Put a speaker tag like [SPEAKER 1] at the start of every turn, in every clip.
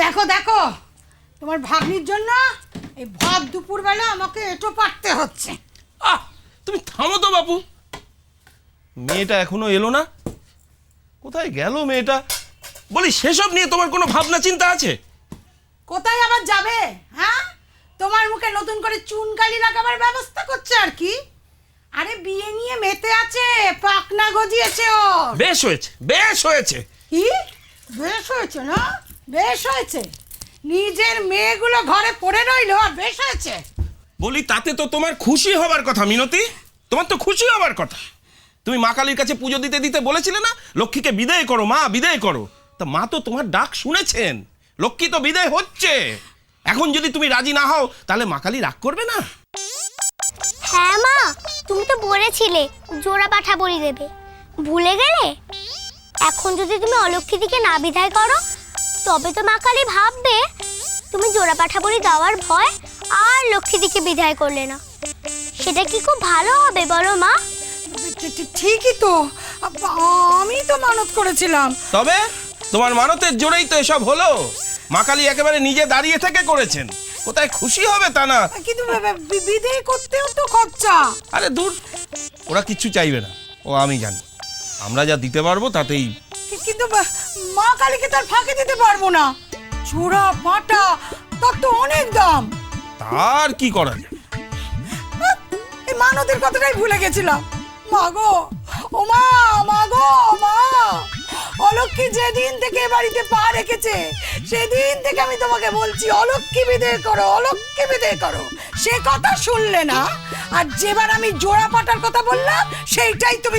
[SPEAKER 1] দেখো দেখো, তোমার ভাগ্নির জন্য এই ভর দুপুরবেলা আমাকে এঁটো পাড়তে হচ্ছে।
[SPEAKER 2] তুমি থামো তো বাপু, মেয়েটা এখনো এলো না, কোথায় গেল মেয়েটা? বলি সেসব নিয়ে তোমার কোনো ভাবনা চিন্তা আছে?
[SPEAKER 1] কোথায় আবার যাবে? হ্যাঁ, তোমার মুখে নতুন করে চুনকালি লাগাবার ব্যবস্থা করছে আর কি। আরে বিয়ে নিয়ে মেতে আছে, পাকনা গজিয়েছে ও।
[SPEAKER 2] বেশ হয়েছে, বেশ হয়েছে।
[SPEAKER 1] কি বেশ হয়েছে? না বেশ হয়েছে, নিজের মেয়েগুলো ঘরে পড়ে রইলো আর বেশ হয়েছে?
[SPEAKER 2] বলি তাতে তো তোমার খুশি হবার কথা মিনতি, তোমার তো খুশি হবার কথা। তুমি মা কালীর কাছে পুজো দিতে দিতে বলেছিলে না, লক্ষ্মীকে বিদায় করো মা, বিদায় করো। তা মা তো তোমার ডাক শুনেছেন, লক্ষ্মী তো বিদায় হচ্ছে। এখন যদি তুমি রাজি না হও তাহলে মা কালী রাগ করবে না?
[SPEAKER 3] হ্যাঁ মা, তুমি তো বলেছিলে জোড়া পাঠা বলি দেবে, ভুলে গেলে? এখন যদি তুমি অলক্ষ্মীদিকে না বিদায় করো তবে তো মা কালী ভাববে তুমি জোড়া পাঠা বলি দেওয়ার ভয় আর লক্ষ্মীদিকে বিদায় করলে না। সেটা কি খুব ভালো হবে বলো মা?
[SPEAKER 1] ঠিকই তো, আমি তো মানত করেছিলাম।
[SPEAKER 2] তবে তোমার মানতের জোরেই তো এসব হলো। মা কালী একেবারে নিজে দাঁড়িয়ে থেকে করেছেন, কোথায় খুশি হবে তা না।
[SPEAKER 1] কিন্তু বিদায় করতেও তো খরচা।
[SPEAKER 2] আরে দূর, ওরা কিচ্ছু চাইবে না, ও আমি জানি। আমরা যা দিতে পারবো তাতেই।
[SPEAKER 1] কিন্তু মা কালীকে তার ফাঁকে দিতে পারবো না, জোড়া পাটা তার তো অনেক দাম।
[SPEAKER 2] তার কি করা যায়?
[SPEAKER 1] এই মানতের কথাটাই ভুলে গেছিলাম। মাগো ও মা, মাগো মা, অলক্ষ্মী যেদিন থেকে বাড়িতে পা রেখেছে সেদিন থেকে আমি তোমাকে বলছি অলক্ষ্মী বিদায় করো, অলক্ষ্মী বিদায় করো। সে কথা শুনলে না, আর যেবার আমি জোড়া পাটার কথা বললাম সেইটাই তুমি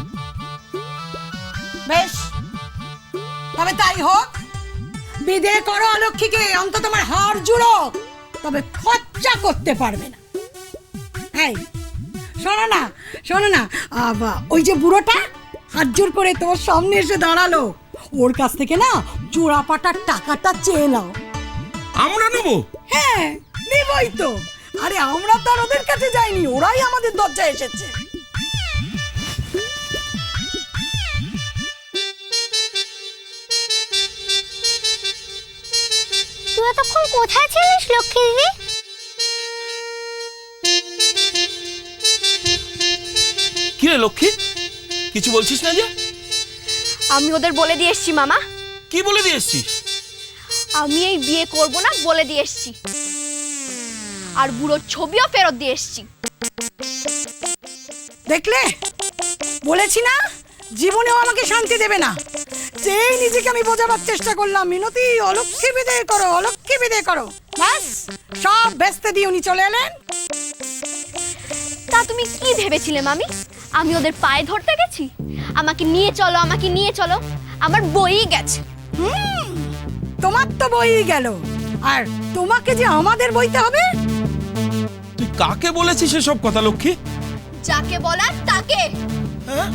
[SPEAKER 1] বেশ, তবে তাই হোক, বিদায় করো অলক্ষ্মীকে, অন্তত তোমার হাড় জুড়ো, তবে খরচা করতে পারবে না। এই শোনো না, শোনো না, ওই যে বুড়োটা হাত জোর করে তোমার সামনে এসে দাঁড়ালো, ওর কাছ থেকে না জোড়া পাটার টাকাটা চেয়ে নাও।
[SPEAKER 2] আমরা নেবো?
[SPEAKER 1] হ্যাঁ নেবই তো। আরে আমরা তো আর ওদের কাছে যাইনি, ওরাই আমাদের দরজায় এসেছে।
[SPEAKER 3] তুই এতক্ষণ কোথায় ছিলিস লক্ষ্মী দিদি?
[SPEAKER 2] কি রে লক্ষ্মী, কিছু বলছিস না যে?
[SPEAKER 4] আমি ওদের বলে দিয়ে এসছি মামা।
[SPEAKER 2] কি বলে দিয়ে এসছিস?
[SPEAKER 4] আমি এই বিয়ে করব না বলে দিয়ে এসছি, আর বুড়োর ছবিও ফেরত দিয়ে এসছি।
[SPEAKER 1] দেখলে, বলেছি না জীবনেও আমাকে শান্তি দেবে না। যেই নিজেকে আমি বোঝাবার চেষ্টা করলাম মিনতি অলক্ষ্মী বিদায় করো, অলক্ষ্মী বিদায় করো, ব্যাস সব ব্যস্ত দিয়ে উনি চলে এলেন।
[SPEAKER 4] তা তুমি কি ভেবেছিলে মামি, আমি ওদের পায়ে ধরতে গেছি? আমাকে নিয়ে চলো, আমাকে নিয়ে চলো, আমার বই গেছে।
[SPEAKER 1] তোমার তো বই গেল, আর তোমাকে যে আমাদের বইতে হবে।
[SPEAKER 2] তুই কাকে বলেছিস এসব কথা লক্ষ্মী?
[SPEAKER 4] যাকে বলার তাকে।
[SPEAKER 2] হ্যাঁ?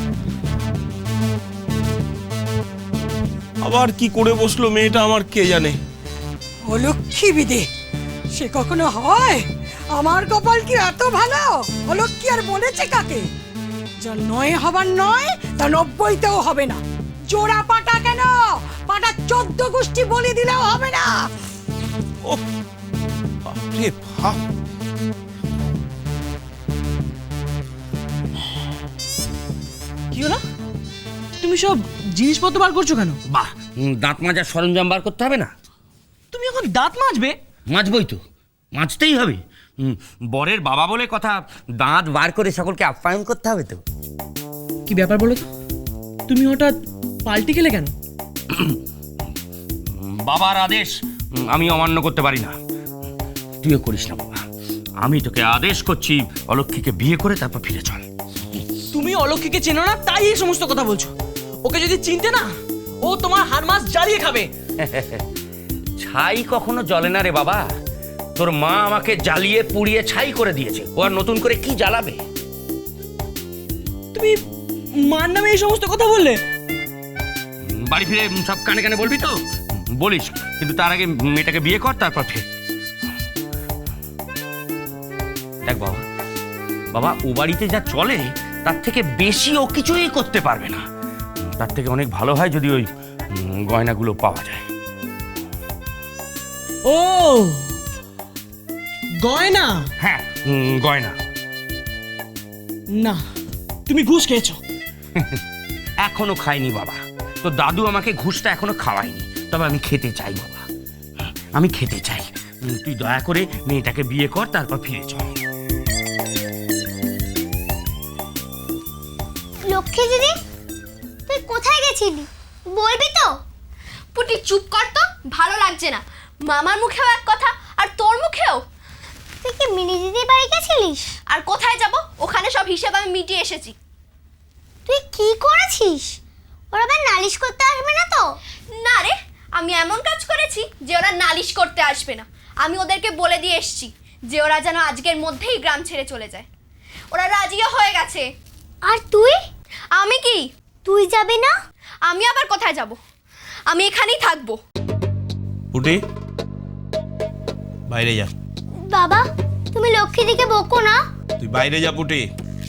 [SPEAKER 2] আবার কি করে বসলো মেয়েটা আমার কে জানে।
[SPEAKER 1] অলক্ষ্মী বিদে, সে কখনো হয়? আমার কপাল কি এত ভালো? অলক্ষ্মী আর বলেছে কাকে? যা নয় হবার নয় তা 90তেও হবে না। জোড়া পাটা কেন, পাটা 14 গোষ্ঠী বলি দিলেও হবে না।
[SPEAKER 2] ও বাপরে বাপ।
[SPEAKER 5] কি হলো? তুমি সব জিনিসপত্র বার করছো কেন?
[SPEAKER 6] বাহ, দাঁত মাজার সরঞ্জাম বার করতে হবে না?
[SPEAKER 5] তুমি এখন দাঁত মাজবে?
[SPEAKER 6] মাজবই তো, মাজতেই হবে। বরের বাবা বলে কথা, দাঁত বার করে সকলকে আপ্যায়ন করতে হবে তো।
[SPEAKER 5] কি ব্যাপার বলো তো, তুমি হঠাৎ পাল্টে গেলে কেন?
[SPEAKER 6] বাবার আদেশ আমি অমান্য করতে পারি না। তুইও করিস না বাবা, আমি তোকে আদেশ করছি অলক্ষ্মীকে বিয়ে করে তারপর ফিরে চল।
[SPEAKER 5] তুমি অলক্ষ্মীকে চেনো না তাই এই সমস্ত কথা বলছো। ওকে যদি চিনতে না, ও তোমার হাড় মাছ জ্বালিয়ে খাবে।
[SPEAKER 6] ছাই কখনো জ্বলে না রে বাবা, তোর মা আমাকে জ্বালিয়ে পুড়িয়ে ছাই করে দিয়েছে, ও আর নতুন করে কি জ্বালাবে?
[SPEAKER 5] তুমি মার নামে এই সমস্ত কথা বললে?
[SPEAKER 6] বাড়ি ফিরে সব কানে কানে বলবি তো? বলিস, কিন্তু তার আগে মেয়েটাকে বিয়ে কর, তারপর ফের। দেখ বাবা, বাবা ও বাড়িতে যা চলে তার থেকে বেশি ও কিছুই করতে পারবে না। তার থেকে অনেক ভালো হয় যদি ওই গয়নাগুলো পাওয়া যায়।
[SPEAKER 5] ও গয়না?
[SPEAKER 6] হ্যাঁ, গয়না।
[SPEAKER 5] না, তুমি ঘুষ খেয়েছো।
[SPEAKER 6] এখনো খাইনি বাবা, তো দাদু আমাকে ঘুষটা এখনো খাওয়ায়নি, তবে আমি খেতে চাই বাবা, আমি খেতে চাই। তুই দয়া করে মেয়েটাকে বিয়ে কর, তারপর ফিরে চল।
[SPEAKER 3] লক্ষ্মী দিদি, তুই কোথায় গেছিলি বলবি তো?
[SPEAKER 4] পুটি চুপ কর তো, ভালো লাগছে না। মামার মুখেও এক কথা আর তোর মুখেও।
[SPEAKER 3] তুই কি মিনি দিদির বাড়ি গেছিলিস?
[SPEAKER 4] আর কোথায় যাব? ওখানে সব হিসেব আমি মিটিয়ে এসেছি।
[SPEAKER 3] তুই কি করেছিস? ওরা আবার নালিশ করতে আসবে না তো?
[SPEAKER 4] না রে, আমি এমন কাজ করেছি যে ওরা নালিশ করতে আসবে না। আমি ওদেরকে বলে দিয়ে এসেছি যে ওরা যেন আজকের মধ্যেই গ্রাম ছেড়ে চলে যায়। ওরা রাজিও হয়ে গেছে।
[SPEAKER 3] আর তুই?
[SPEAKER 4] আমি কি?
[SPEAKER 3] তুই যাবি না?
[SPEAKER 4] আমি আবার কোথায় যাব? আমি এখানেই থাকবো।
[SPEAKER 2] পুটি, বাইরে যা।
[SPEAKER 3] বাবা, তুমি লক্ষ্মী দিকে বকো না।
[SPEAKER 2] তুই বাইরে যা পুটি।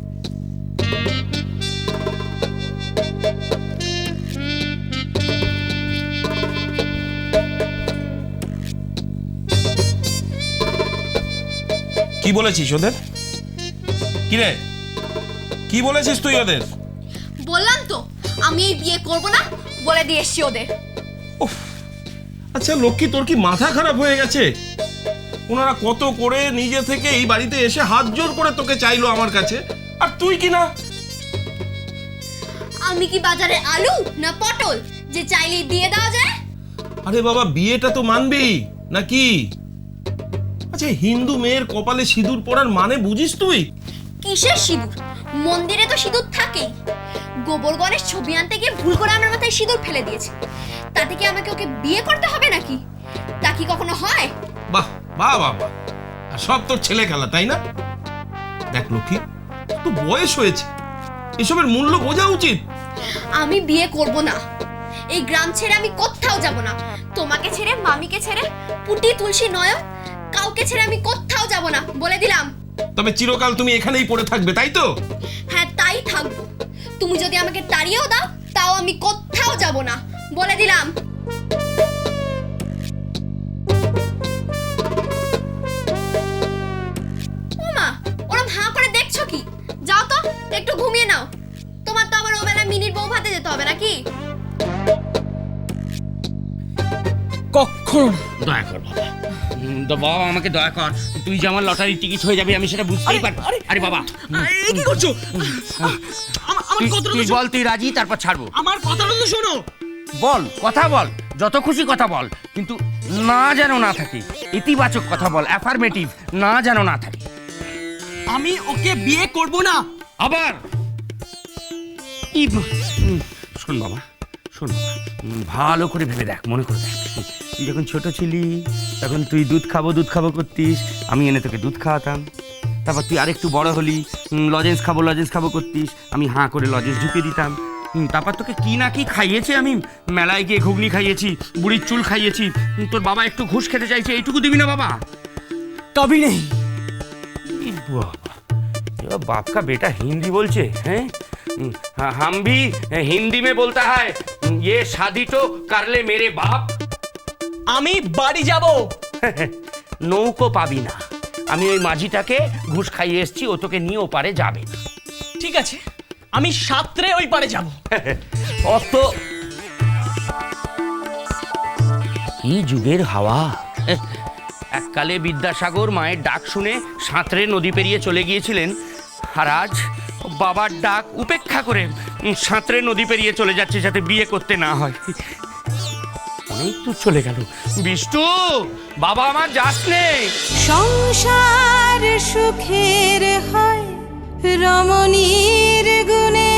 [SPEAKER 2] কি বলেছিস ওদের? কি রে, কি বলেছিস তুই ওদের?
[SPEAKER 4] বললাম তো আমি এই বিয়ে করব না, বলে দিয়ে এসেছি ওদের।
[SPEAKER 2] উফ, আচ্ছা লক্ষ্মী, তোর কি মাথা খারাপ হয়ে গেছে? ওনারা কত করে নিজে থেকে এই বাড়িতে এসে হাত জোর করে তোকে চাইলো আমার কাছে, আর তুই কি না?
[SPEAKER 4] আমি কি বাজারে আলু না পটল যে চাইলেই দিয়ে দেওয়া যায়?
[SPEAKER 2] আরে বাবা, বিয়েটা তো মানবি নাকি? আচ্ছা, হিন্দু মেয়ের কপালে সিঁদুর পরার মানে বুঝিস তুই?
[SPEAKER 4] কিসের সিঁদুর? মন্দিরে তো সিঁদুর থাকেই। গোবর গণেশ ছবি আনতে গিয়ে ভুল করে আমার মাথায় সিঁদুর ফেলে দিয়েছে, তাতে কি আমাকে ওকে বিয়ে করতে হবে নাকি? তা কি কখনো হয়?
[SPEAKER 2] বাহ বাহ বাহ বাহ, আর সব তোর ছেলে খেলা, তাই না? দেখ লক্ষ্মী, তো বয়স হয়েছে, এসবের মূল্য বোঝা উচিত।
[SPEAKER 4] আমি বিয়ে করব না। এই গ্রাম ছেড়ে আমি কোথাও যাব না। তোমাকে ছেড়ে, মামিকে ছেড়ে, পুটি, তুলসী, নয়ন, কাউকে ছেড়ে আমি কোথাও যাব না, বলে দিলাম।
[SPEAKER 2] তবে চিরকাল তুমি এখানেই পড়ে থাকবে, তাই তো?
[SPEAKER 4] হ্যাঁ, তাই থাকবো। তুমি যদি আমাকে তাড়িয়েও দাও, তাও আমি কোথাও যাব না, বলে দিলাম। ওমা, ওরম হাঁ করে দেখছো কি? যাও তো, একটু ঘুমিয়ে নাও। তোমার তো আবার ওবেলা মিনিট বউ ভাতে যেতে হবে নাকি?
[SPEAKER 5] কখনো না।
[SPEAKER 6] দয়া কর বাবা, তো বাবা আমাকে দয়া কর। তুই যে আমার লটারির টিকিট হয়ে যাবে আমি সেটা বুঝতেই পারি। আরে বাবা,
[SPEAKER 5] এই কি করছো? আমার
[SPEAKER 6] তুই
[SPEAKER 5] কথাটা
[SPEAKER 6] তুই
[SPEAKER 5] তো
[SPEAKER 6] বল, তুই রাজি, তারপর ছাড়বো।
[SPEAKER 5] আমার কথাটা তো শোনো।
[SPEAKER 6] বল, কথা বল, যত খুশি কথা বল, কিন্তু না যেন না থাকে। ইতিবাচক কথা বল, অ্যাফার্মেটিভ, না যেন না থাকে।
[SPEAKER 5] আমি ওকে বিয়ে করব না।
[SPEAKER 6] আবার শোন বাবা, শোন বাবা, ভালো করে ভেবে দেখ, মনে করে দেখ। তুই যখন ছোট ছিলি তখন তুই দুধ খাবো করতিস, আমি এনে তোকে দুধ খাওয়াতাম। তারপর তুই আরেকটু বড় হলি, লজেন্স খাবো করতিস, আমি হাঁ করে লজেন্স ঢুকিয়ে দিতাম। তারপর তোকে কি না কি খাইয়েছি আমি, মেলায় গিয়ে ঘুগনি খাইয়েছি, বুড়ির চুল খাইয়েছি। তোর বাবা একটু ঘুষ খেতে চাইছে, এইটুকু দিবি না বাবা?
[SPEAKER 5] কবি নেই।
[SPEAKER 6] बाबा, बाप का बेटा हिंदी बोलছে, हैं? हम भी हिंदी में बोलता है, ये शादी तो कर ले मेरे बाप।
[SPEAKER 5] আমি বাড়ি যাব।
[SPEAKER 6] নৌকো পাবি না। আমি ওই মাঝিটাকে ঘুষ খাইয়ে এসেছি, ও তোকে নিয়ে ওপারে যাবে না।
[SPEAKER 5] ঠিক আছে, আমি সাঁতরে ওই পারে যাব।
[SPEAKER 6] অত কি যুগের হাওয়া! এককালে বিদ্যাসাগর মায়ের ডাক শুনে সাঁতরে নদী পেরিয়ে চলে গিয়েছিলেন, আর আজ বাবার ডাক উপেক্ষা করে সাঁতরে নদী পেরিয়ে চলে যাচ্ছে যাতে বিয়ে করতে না হয়। অনেক দূর চলে গেল। বিষ্টু, বাবা আমার যাস নে।
[SPEAKER 7] সংসার সুখের হয় রমণীর গুণে,